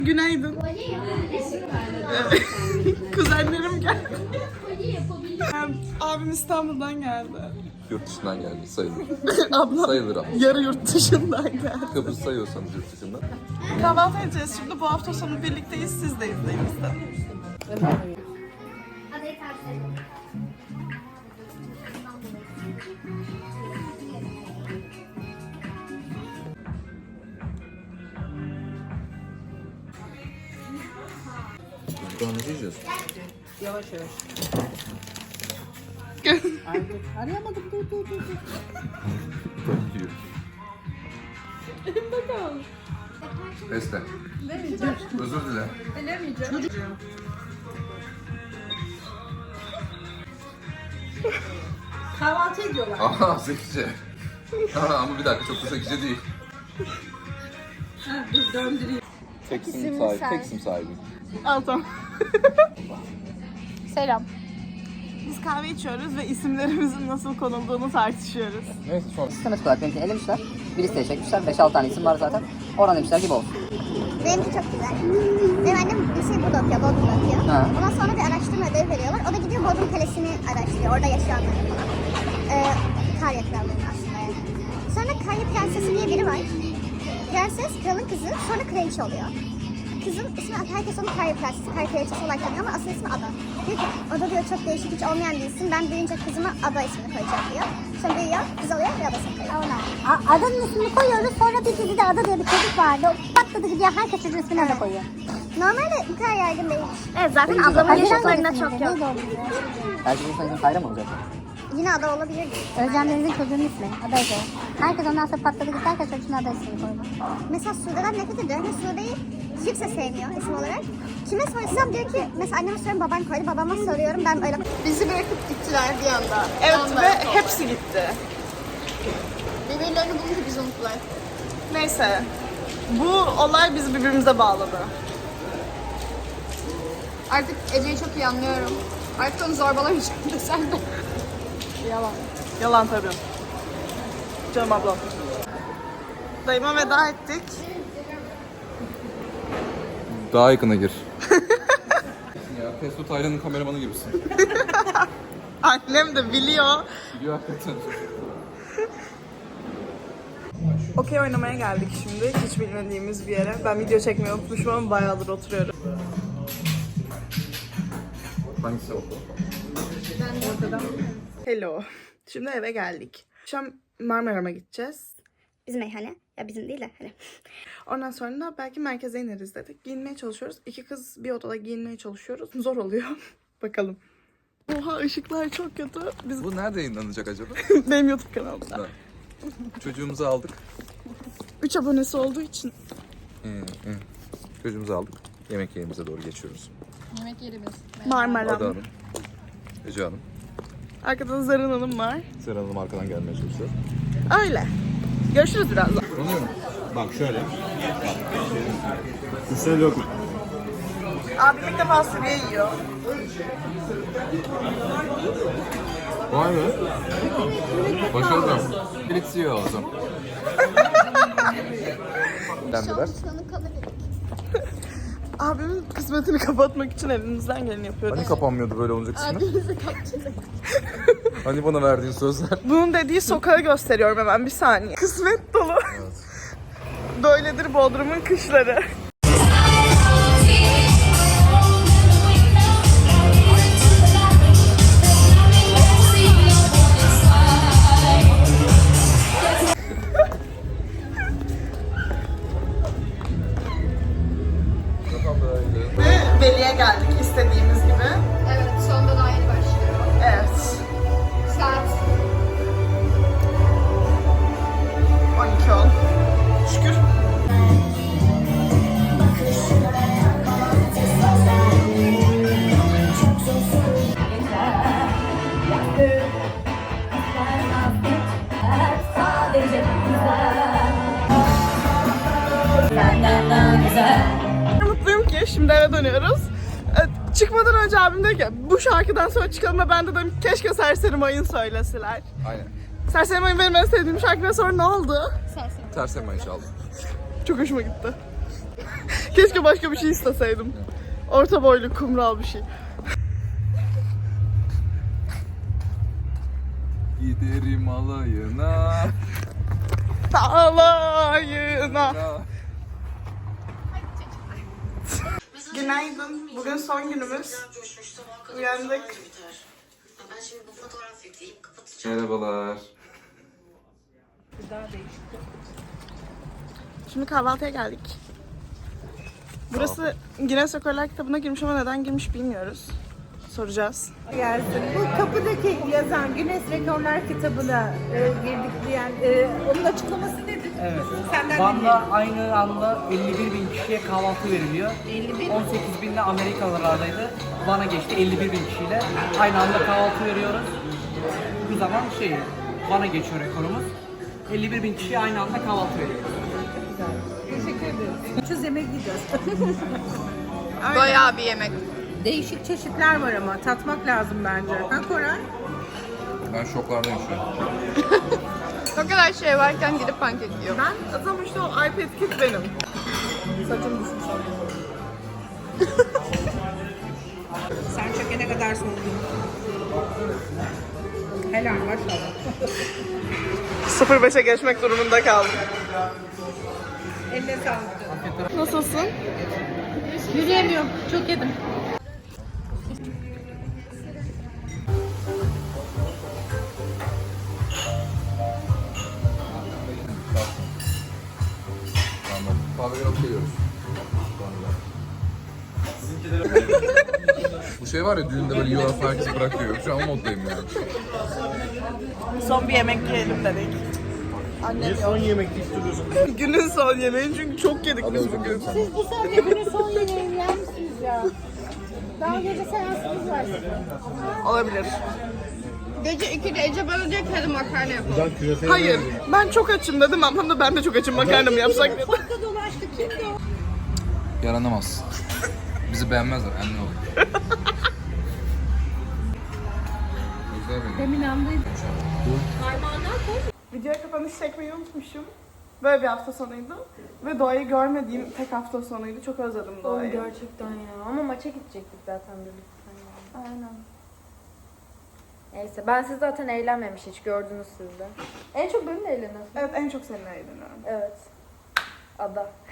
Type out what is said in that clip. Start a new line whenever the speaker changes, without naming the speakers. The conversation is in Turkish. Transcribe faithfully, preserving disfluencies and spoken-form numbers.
Günaydın. Kuzenlerim geldi. Abim İstanbul'dan geldi.
Yurt dışından geldi sayılır.
Ablam
Sayılır ama.
yarı yurt dışından geldi.
Kıbrıs sayıyorsanız yurt dışından.
Kahvaltı edeceğiz şimdi. Bu hafta sonu birlikteyiz. Siz de izleyin istedim.
Daha ne diyeceğiz?
Yavaş yavaş. Ay, arayamadım, dur dur dur.
Yiyor.
Elimde kaldı.
Beste.
Demeyeceğim.
Özür dile.
Demeyeceğim. Çocuğum. Kahvaltı ediyorlar.
Aha zekice. Aha, ama bir dakika çok da zekice değil.
Ha, dur döndüreyim.
Tek sim sahibi, tek sim sahibi.
Al tamam.
Selam.
Biz kahve içiyoruz ve isimlerimizin nasıl konulduğunu tartışıyoruz.
Neyse sonra.
Sistemet olarak benimkini elemişler. Bir listeye çekmişler. beş altı tane isim var zaten. Oradan demişler gibi olsun.
Benimki çok güzel. Benim annem bir şey burada okuyor, Bodrum'da okuyor.
Ha.
Ondan sonra bir araştırma ödevi veriyorlar. O da gidiyor Bodrum Kalesi'ni araştırıyor. Orada yaşayanları falan. Ee, Karya krallarının aslında yani. Sonra Karya Prensesi diye biri var. Prenses kralın kızı, sonra kraliçe oluyor. Kızın ismi, herkes onu Karya Prensesi, Karya Kraliçesi olarak tanıyor ama asıl ismi Ada. Diyor ki, Ada diyor çok değişik, hiç olmayan bir isim. Ben büyüyünce kızıma Ada ismini koyacağım diyor. Sonra büyüyor, kız oluyor ve adasını koyuyor.
A- Adanın ismini koyuyoruz. Sonra bir dizide Ada diye bir çocuk vardı. Patladı gidiyor. Herkes çocuğun ismini Ada koyuyor.
Normalde bu kadar yaygın değilmiş.
Evet zaten ablamın yaşıtlarında çok yok.
Belki bu sayının Kayra mı olacak?
Yine Ada olabilir.
Özcan Deniz'in çocuğunun ismi. Ada Ece. Herkes ondan sonra patladı gitti. Herkes çocuğuna Ada ismini koydu.
Mesela Sude'den nefret ediyor. Ve Sude'yi kimse sevmiyor isim olarak. Kime sorsam diyor ki, mesela anneme soruyorum baban koydu, babama soruyorum ben öyle.
Bizi bırakıp gittiler bir anda. Evet ve hepsi gitti.
Birbirlerini bulunca biz unuttular.
Neyse. Bu olay bizi birbirimize bağladı.
Artık Ece'yi çok iyi anlıyorum. Artık onu zorbalamayacağım desem de.
Yalan. Yalan tabii. Canım ablam. Dayıma veda ettik.
Daha yakına gir. Ya Testo Taylan'ın kameramanı gibisin.
Annem de biliyor.
Biliyor hakikaten.
Okey oynamaya geldik şimdi. Hiç bilmediğimiz bir yere. Ben video çekmeyi unutmuşum ama bayağıdır oturuyorum.
Hangisi o?
Hello. Şimdi eve geldik. Akşam Marmara'ma gideceğiz.
Bizim meyhane. Ya bizim değil de hani.
Ondan sonra da belki merkeze ineriz dedik. Giyinmeye çalışıyoruz. İki kız bir odada giyinmeye çalışıyoruz. Zor oluyor. Bakalım. Oha ışıklar çok kötü. Biz
Bu nerede yayınlanacak acaba?
benim YouTube kanalımda.
Ha. Çocuğumuzu aldık.
üç abonesi olduğu için.
Hı, hı. Çocuğumuzu aldık. Yemek yerimize doğru geçiyoruz.
Yemek yerimiz.
Marmara.
Ada Hanım, Ece Hanım,
Arkada da Zerrin Hanım var.
Seren Hanım arkadan gelmeye çalışıyor.
Öyle. Görüşürüz birazdan.
Bak şöyle. Üstüne dökme.
Abi ilk defa sürüye yiyor.
Vay be. Başarılı. Birlikte yiyor o zaman. Dendiler.
Abimin kısmetini kapatmak için elimizden geleni yapıyoruz.
Hani kapanmıyordu böyle olunca kısmı? Hani bana verdiğin sözler?
Bunun dediği sokağı gösteriyorum hemen bir saniye. Kısmet dolu.
Evet.
Böyledir Bodrum'un kışları. Ve Veli'ye geldik istediğimiz gibi.
Evet, sonunda daha yeni başlıyor.
Evet.
Saat
on iki on. Şükür. Mutluyum ki şimdi eve dönüyoruz. Ee, Çıkmadan önce abim dedi ki bu şarkıdan sonra çıkalım ve ben de dedim keşke Serseri Mayın söyleseler.
Aynen.
Serseri Mayın benim en sevdiğim şarkı ve sonra ne oldu?
Ters hemen inşallah.
Çok hoşuma gitti. Keşke başka bir şey isteseydim. Orta boylu, kumral bir şey.
Giderim alayına.
Alayına. Günaydın. Bugün son günümüz. Uyandık.
Merhabalar.
Şimdi kahvaltıya geldik. Burası Guinness Rekorlar kitabına girmiş ama neden girmiş bilmiyoruz. Soracağız.
Gelsin. Bu kapıdaki yazan Guinness Rekorlar kitabına e, girdik diyen e, onun açıklaması nedir?
Evet.
Senden
Van'da aynı anda elli bir bin kişiye kahvaltı veriliyor.
elli bir
on sekiz binde Amerikalılardaydı. Van'a geçti elli bir bin kişiyle. Aynı anda kahvaltı veriyoruz. Bu zaman şey, Van'a geçiyor rekorumuz. elli bir bin kişiye aynı anda kahvaltı veriyoruz.
Teşekkür ederiz. Ucuz yemek yiyeceğiz.
Bayağı bir yemek.
Değişik çeşitler var ama tatmak lazım bence. Ha Koray?
Ben şoklardayım şu an.
O kadar şey varken gidip pankek yiyor.
Ben tam işte o iPad kit benim. Saçım düşmüş.
Sen çökene kadar soğudun. Helal maşallah.
sıfır beşe geçmek durumunda kaldım.
Eline sağlık.
Nasılsın?
Yürüyemiyorum. Çok yedim.
Tamam. Kahveyi alıp geliyoruz. Bu şey var ya düğünde böyle yiyorlar falan herkesi bırakıyor. Şu an o moddayım yani.
Son bir yemek yiyelim dedik. Annem son yemek istiyorsun? Günün son yemeği çünkü çok yedik biz bugün.
Siz bu saatte günün son yemeğini yer misiniz ya? Daha gece seansınız var sizin.
Olabilir.
Gece ikide Ece bana diyor ki hadi makarna yapalım.
Hayır. Ben çok açım dedim. Ablam da ben de çok açım. Makarna mı yapsak dedi.
Yaranamaz. Bizi beğenmezler. Emin olun. Güzel benim.
Demin andaydım.
Videoya kapanış çekmeyi unutmuşum. Böyle bir hafta sonuydu. Ve doğayı görmediğim tek hafta sonuydu. Çok özledim doğayı.
Gerçekten ya. Ama maça gidecektik zaten birlikte.
Aynen.
Neyse ben siz zaten eğlenmemiş hiç gördünüz siz de. En çok benimle eğleniyorsun.
Evet en çok seninle eğleniyorum.
Evet. Ada.